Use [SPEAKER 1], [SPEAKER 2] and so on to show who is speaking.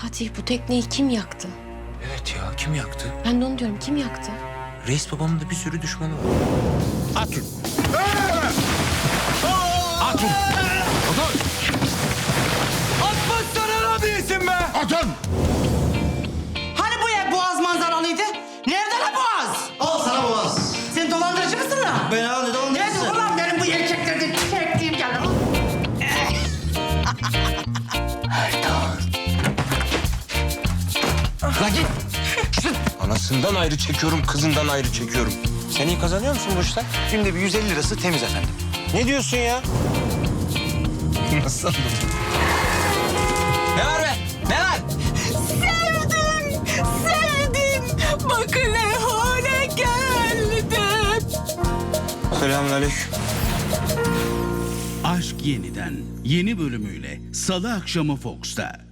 [SPEAKER 1] Fatih, bu tekneyi kim yaktı?
[SPEAKER 2] Evet ya, kim yaktı?
[SPEAKER 1] Ben de onu diyorum, kim yaktı?
[SPEAKER 2] Reis babamın da bir sürü düşmanı var.
[SPEAKER 3] Atın. Atın. Atın.
[SPEAKER 2] Atmazsana lan değilsin be!
[SPEAKER 3] Atın.
[SPEAKER 4] Hani bu ev Boğaz manzaralıydı? Nerede lan Boğaz?
[SPEAKER 5] Al sana boğaz.
[SPEAKER 4] Sen dolandırıcı mısın lan?
[SPEAKER 5] Ben abi
[SPEAKER 4] Nerede
[SPEAKER 5] dolandırıcısın.
[SPEAKER 4] ulan benim bu erkeklerden çektiğim gelir lan?
[SPEAKER 2] La git! Anasından ayrı çekiyorum, kızından ayrı çekiyorum. Sen iyi kazanıyor musun bu işten?
[SPEAKER 5] Günde bir 150 lirası temiz efendim.
[SPEAKER 2] Ne diyorsun ya? Nasıl anladın? Ne var be? Ne var?
[SPEAKER 6] Sevdim, sevdim. Bakın ne hale geldim.
[SPEAKER 2] Selamünaleyküm.
[SPEAKER 7] Aşk Yeniden yeni bölümüyle Salı akşamı Fox'ta.